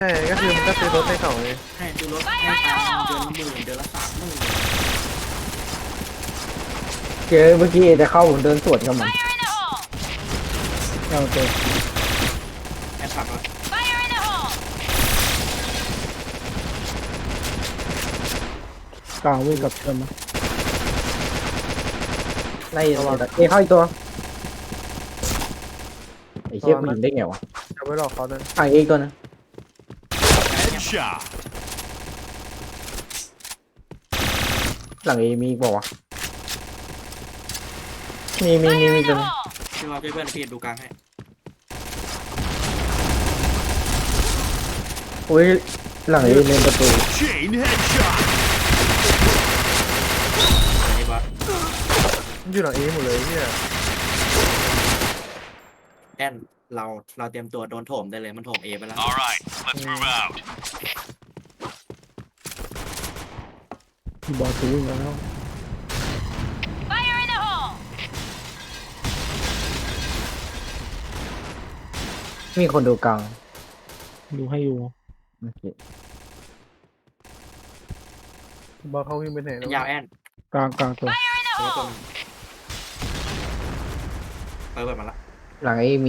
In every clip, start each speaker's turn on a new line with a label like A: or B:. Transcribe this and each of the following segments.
A: ใช่ก็คือมันก็ซื้อรถให้เขาเลย
B: ให้ซื้อรถให้ตังค์เดือนละ 10,000 เดือนละ 30,000
C: เจอเมื่อกี้จะเข้าผมเดินสวนกับมันเอาเจอ
B: แอนขับรถ
D: กลางวิ่งกับเชิญมา
C: ไล่เข้าอีกตัวไอ้เชี่ยกูยิงได้ไงวะ
A: เอาไว้หลอกเขานะ
C: ฝั่งอีกตัวนะ
E: Headshot.
C: หลังเอมีอีกบอกว่าวะมีตัวนึง
B: พี่ว่าเพื่อนพี่ดูกลางให้
C: โอ้ยหลังเอเล่นประตู
E: Chain headshot.
B: ไอ้บอส
A: มันอยู่หลังเอหมดเลยเนี่ย
B: แอนเราเตรียมตัวโดนโถมได้เลยมันโถมเอไปแล้ว
E: All right, let's move out.
D: ที่บอลซื้อวิ่งแล้ว
C: มีคนดูกลาง
D: ดูให้อยู่
C: โอเค
A: บอกเขาวิ่งไปไหนแล้ว
B: ยาวแอน
D: กลางตัว
B: ตัวตัวนึงเปิดมาละ
C: หลังเอมี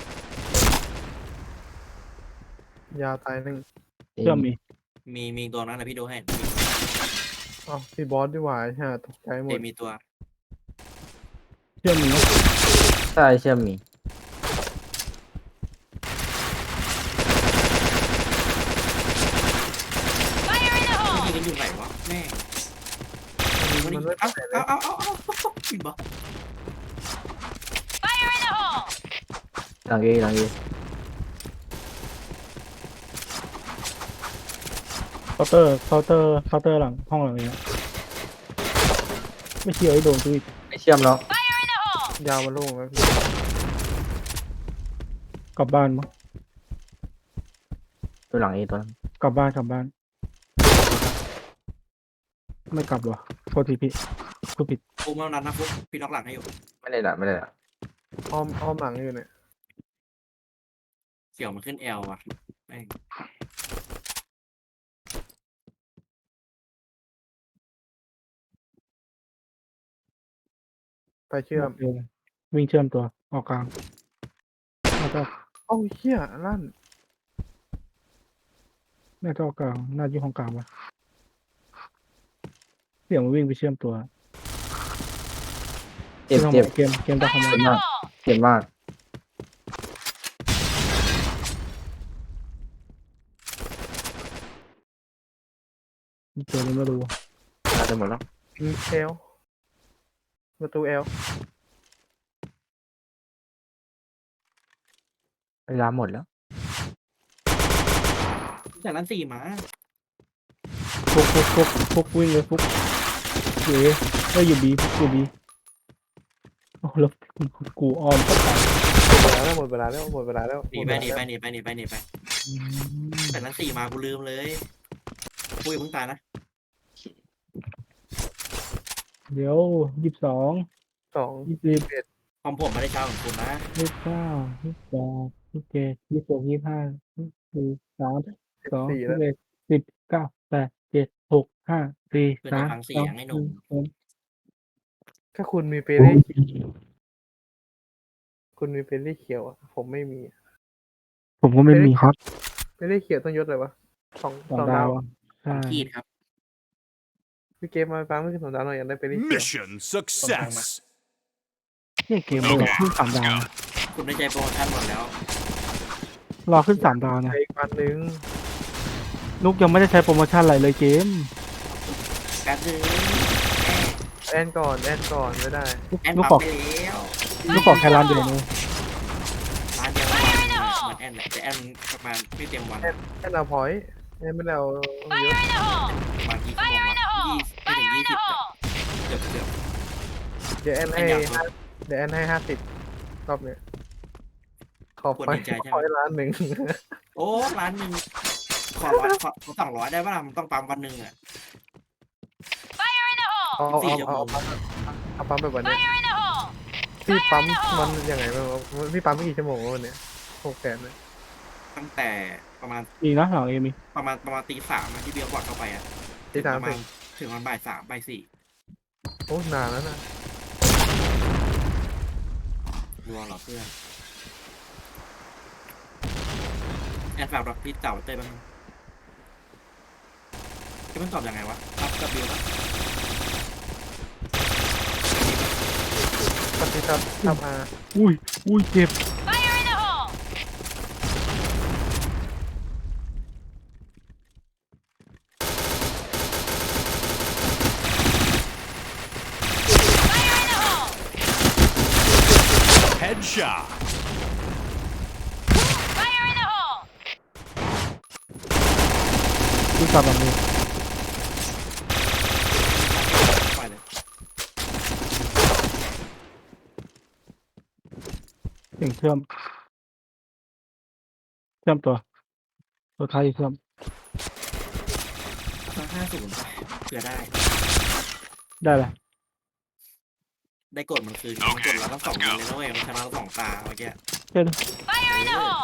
A: ยาวตายหนึ่ง
D: เชื่อมมี
B: มีตัวนั้นนะพี่ดูให้
A: อ๋อพี่บอสดีกว่าใช่ตกใจหม
B: เอ
A: ด
B: มีตัว
D: เชื่อมมีนะ
C: ใช่เชื่อมมี
B: ยิงกันอยู่ไหนวะแม่ง
A: มันไม่
B: เอา
A: ไปไหนเลย
B: เอาปิดบอส
C: หลังเอ
D: เคาน์เตอร์หลังห้องหลังนี้ไม่เชื่อไอ้โดนตัวอีก
C: ไม่เชื่อมแล้ว
A: ยาวมันโล่งแล้วพี่
D: กลับบ้านมั้ง
C: ตัวหลังเอตัวนั้น
D: กลับบ้านไม่กลับหรอโทษทีพี่กูผิด
B: ฟุกมานั้นนะฟุกพี่ล็อกหลังให้อยู่
C: ไม่ได้ละ
A: อ้อมหลังอยู่เนี่ย
B: เสี่ยวมันขึ้นเอลว่ะแม่ง
A: ไปเชื่อม
D: วิ่งเชื่อมตัวออกกลางแล้วก็
A: เอ้าเหี้ยลั่น
D: น่าจะออกกลางน่าอยู่ห้องกลางวะเสียงมันวิ่งไปเชื่อมตัว
C: เจ็บ
D: เกมตะคอม
C: เจ็บมากเจ็บมาก
D: เจอเลยไม่รู้
C: น่าจะหมดแล้ว
A: เอลประตูเอล
C: เวลาหมดแล้ว
B: จากนั้น4 มา
D: ฟุกวิ่งเลยฟุกเอ๋ได้อยู่บีโอ้แล้วกูอ้อมก็ตาย
A: หมดเวลาแล้ว
B: หนีไปจากนั้น4 มากูลืมเลยกูอย่าเพิ่งตายนะ
D: เดี๋ยว22
A: 2
D: 20
B: ความผมไม่ได้เช้าของคุณนะ
D: 29 28 27 26 25 23
A: 14 แล้ว
D: 21 10 9 8 7 6 5 4
B: เพื่อนจะฟัง
D: 3
B: เสียงให้หนุ่ม
A: ถ้าคุณมีเปเล่คุณมีเปเล่เขียวอะผมไม่มี
D: ผมก็ไม่มีครับ
A: เปเล่เขียวต้องยศอะไรวะสอง
D: สอง
A: ดา
D: ดาว วใช่
B: ขีดครับ
A: พี่เกมมาฟังไม่ขึ้น2 ดาวหน่อยอยากได้เปเล่เขียว
E: Mission success.
D: เนี่ยเกมมันขึ้น3 ดาว
B: คุณได้ใจโปรโมชั่นหมดแล้ว
D: รอขึ้น3 ดาวนะ
A: อีกวันหนึ่ง
D: ลูกยังไม่ได้ใช้โปรโมชั่นอะไรเลยเกม
B: การซื้อ
A: แอนก่อนไม่ได้
B: แอน
D: ลูก
B: ปั๊
D: ขอ
B: มไปแล้ว
D: ลูกขอแค่ร้านเดียวเลย
B: ร้านเดียวเหมือนแอนแหละแต่แอนประมาณไม่เต็มวัน
A: แอนเอาพอยต์แอนไม่ได้เอาเยอะ
B: ประมาณกี่ชั่วโมงวะไม่ถึง 20เกือบ
A: เดี๋ยวแอนให้
B: แอนอยากรู้
A: เดี๋ยวแอนให้50รอบเนี้ยขอพอยต์ล้านหนึ่ง
B: โอ้ร้านหนึ่งขอ200ได้ป่ะล่ะมันต้องปั๊มวันหนึ่งอ่ะ
A: เอาปั๊มไปวันนี้พี่ปั๊มมันยังไงบ้างวะพี่ปั๊มไม่กี่ชั่วโมงวะวันเนี้ย600,000เลย
B: ตั้งแต่ประมาณ
D: มีนะหลังเอมี
B: ประมาณตีสามที่เบียร์บอดเข้าไปอ่ะ
A: ที่สาม
B: ประ
A: ถึ
B: มาณ
A: ง
B: ถึงวันบ่ายสามบ่ายสี่
A: โอ้นานแล้วนะ
B: รัวเหรอเพื่อนแอนฝากรับพี่เต่าเต้ยบ้างจะมันตอบยังไงวะรับกับบิวปะ
A: ปฏิทับทับอา
D: อุ้ยเจ็บ
F: Fire in the hole! Fire in the hole!
E: Headshot.
F: Fire in the hole!
D: ที่กลับมามือ
B: ปล่อยเลย
D: เสียงเชื่อมตัวท้ายเชื่อม
B: สัก50ไปเผื่อได้
D: ได้เลย
B: ได้กดมันคืนมันกดแล้วทั้งสองยิงเลยนะเว้ยมันชนะเราสองตาเมื่อกี้
D: เช่น
F: Fire in the hole!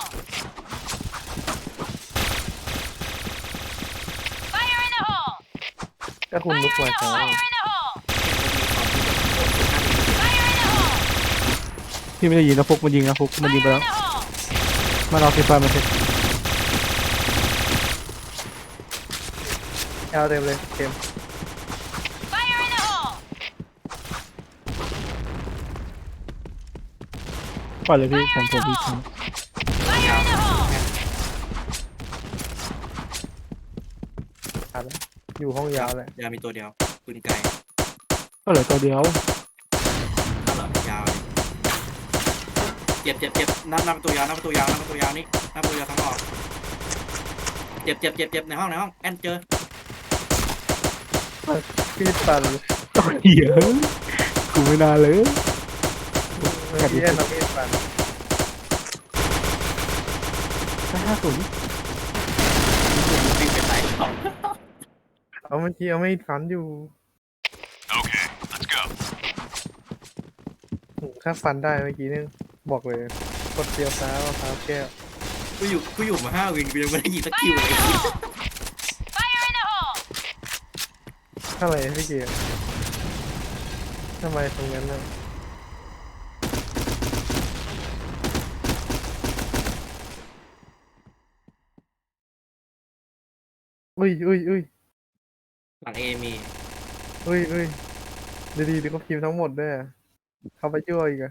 F: Fire in the hole!
A: ก็คุณลุก
F: Fire
A: มา
F: in the
A: ช้า
F: hole! Fire in the hole! Fire in the hole!
D: พี่ไม่ได้ยิงนะฟุกมันยิงนะฟุกมันยิงไป
F: Fire
D: แล้ว
F: in the hole!
D: มันเอาไฟฟ้ามาเสร็จ
A: ยาวเต็มเลยเกม
F: Fire in the hole!
D: ปล่อยเลยพี่ผมพี่
F: Fire in the hole!
A: ขาดแล้วอยู่ห้องยาวแหละ
B: ยาวมีตัวเดียวปืนไกล
D: ก็เหลือตัวเดียว
B: ถ้าเหรอยาวเลยเจ็บนับตัวยาวนี่นับตัวยาวทั้งออกเจ็บในห้องแอนเจอ
A: พี่ปัน
D: ตัวเหี้ยกูไม่น่าเลย
A: เมื่อกี้แอนเอาพี่ปัน
D: 50
B: วิ่งไปไหนเขา
A: เอาเมื่อกี้เอาไม่ฟันอยู่
E: Okay, let's go.
A: ถ้าฟันได้เมื่อกี้นี่บอกเลยกดเดียวซ้ายเอาเท้าแก้ว
B: กูอยู่มา5 วินกูยังไม่ได้ยิงสักคิวเลย
F: Fire in the hole!
A: เท่าไหร่พี่เกียร์ทำไมตรงนั้นน่ะอุ้ย
B: หลังเอมี
A: ดีก็พิมพ์ทั้งหมดด้วยอะเขาไปช่วยอีกอะ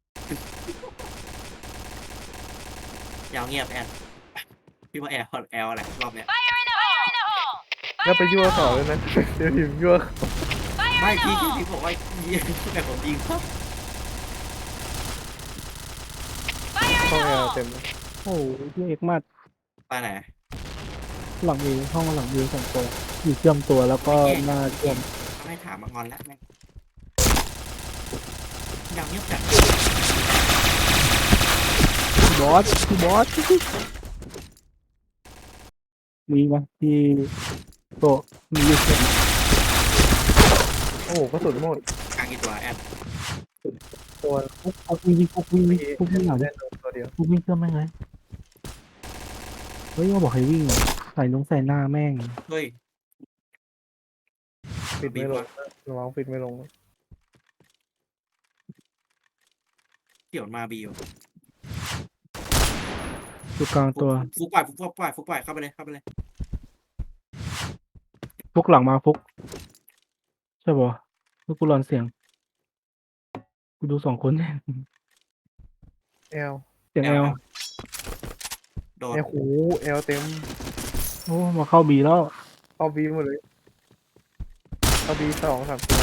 B: ยาวเงียบแอนพี่ว่าแอลอะไรรอบเนี้ย
F: Fire in the hole! Fire in the hole!
A: แล้วไปยั่วเขาเลยนะ เดี๋ยวพิมพ์ยั่วเขา
F: Fire
B: ไม่
F: in the
B: พี่
F: hole!
B: บอกว่ายิงแต่ผมยิงครับ
F: Fire in
A: ห้อง
F: the
A: แอล
F: hole!
A: เต็มเลย
D: โอ้ยพี่เอกมาก
B: ไปไหน
D: หลังเอห้องหลังเอ2 ตัวอยู่เชื่อมตัวแล้วก็หน้าเชื่อม
B: ไม่ถามมางอนแล้วแม่งยาวเงียบจัด
D: บอสมีไหมที่โตะมีอยู่เชื่อม
A: โอ้โหกระสุนหมด
B: กลางกี่ตัวแอน
A: ตัว
D: ฟุกวิ่งหลัง
A: เล่นตัวเดียว
D: ฟุกวิ่งเชื่อมแม่งเลยเฮ้ยว่าบอกให้วิ่งอะใส่หน้าแม่ง
B: เฮ้ย
A: ปิดไม่ลงระวังปิดไม่ลง
B: เกี่ยวมาบีอยู่
D: อยู่กลางตัว
B: ฟุกปล่อยเข้าไปเลย
D: ฟุกหลังมาฟุกใช่ป่ะฟุกกูรอนเสียงกูดู2 คน
A: แอล
D: เสียงแอล
B: โดน
A: แอลหูแอลเต็ม
D: โอ้มาเข้าบีแล้ว
A: เข้าบีหมดเลยเข้าบี2-3ตัว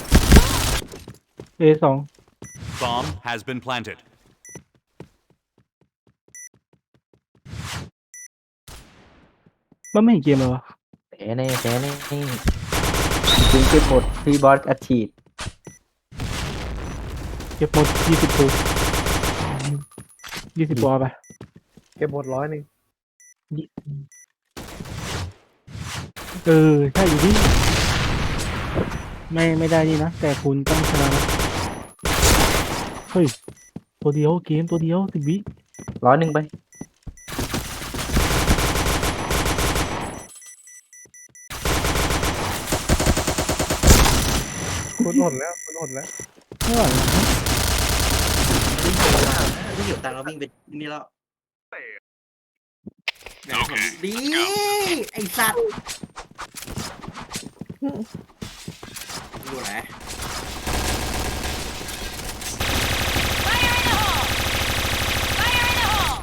D: A2
E: Bomb has been planted.
D: มันไม่เห็นเกมเลยวะ
C: แพ้แน่คุณเก็บหมดที่บอสอัดฉีด
D: เก็บหมด20 ตัว20 ตัวไป
A: เก็บหมด100
D: ใช่อยู่ที่ไม่ได้นี่นะแต่คุณต้องชนะนะเฮ้ยตัวเดียวเกมตัวเดียว10 วิ
C: 100ไป
A: คุณอดแล้วคุณอดแล้ว
D: ไม่ไหวนะ
B: ไม่อยู่ตังเราวิ่งไปนี่แล้วดีไอ้สัตว์อยู่ไหน
F: Fire in the hole! Fire in the hole!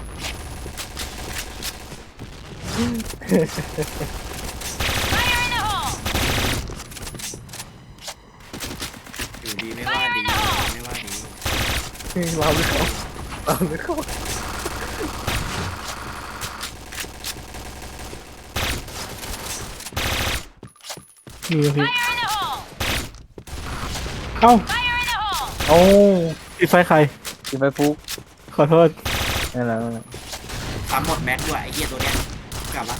F: Fire in the hole!
B: อยู่ดีไม่ว่าดีไม่ว่าดี
A: เราหรือเขาเราหรือเขา
D: มีพี่
F: Fire in the hole!
D: เอ้า
F: Fire in the hole!
C: โอ้
D: ปิดไฟใคร
C: ที่ไปฟุก
D: ขอโทษ
C: นั่นแหละ
B: ทำหมดแม็กด้วยไอ้เหี้ยตัวเนี้ยกลับละ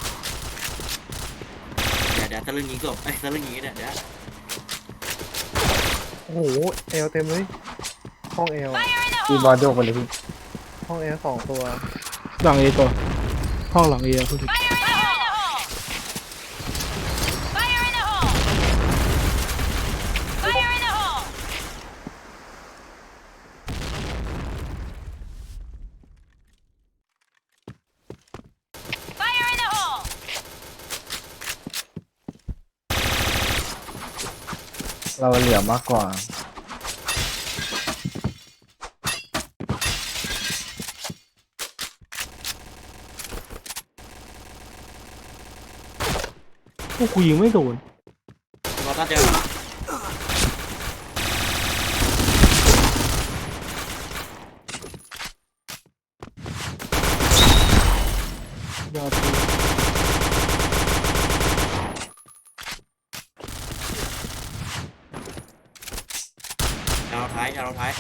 B: เดี๋ยวถ้าเรื่องนี้จบไอ้ถ้าเรื่องนี้เนี่ยเดี๋ยว
A: โอ้โหเอลเต็มเลยห้องเอล
F: Fire in the
C: ที
F: hole!
C: บอลโยกไปเลยพี่
A: ห้องเอล2 ตัว
D: หลังเอตัวห้องหลังเอพูดถึง
F: Fire in the hole! Fire in the hole! Fire in the hole! Fire in the hole!
C: เราเหลือมากกว่า
D: พวกกูยิงไม่โดน
B: เราต้องเจอย
D: อดเลย
B: เอาท้ายเอาท้าย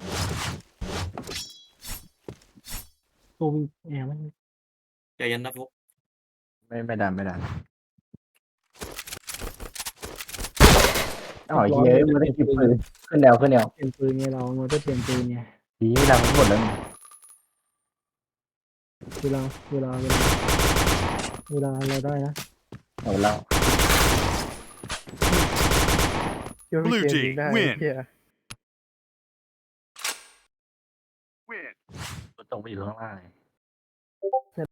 D: ตัววิ่งแอร์มัน
B: ใจเย็นนะฟุก
C: ไม่ดันอ๋อเฮ้ยไม่ได้กินปืนขึ้นแนว
D: เปลี่ยนปืนไงเรามันก็เปลี่ยนปืนไง
C: ดีไม่ดังหมดแล้ว
D: เวลาเราได้นะ
C: เอาแล้ว
A: คิดว่าพี่
E: Blue
A: เกม
E: team
A: ยิงได้
E: win
A: เฮีย
E: Win.
C: ตรงไปอยู่ข้างล่างเลย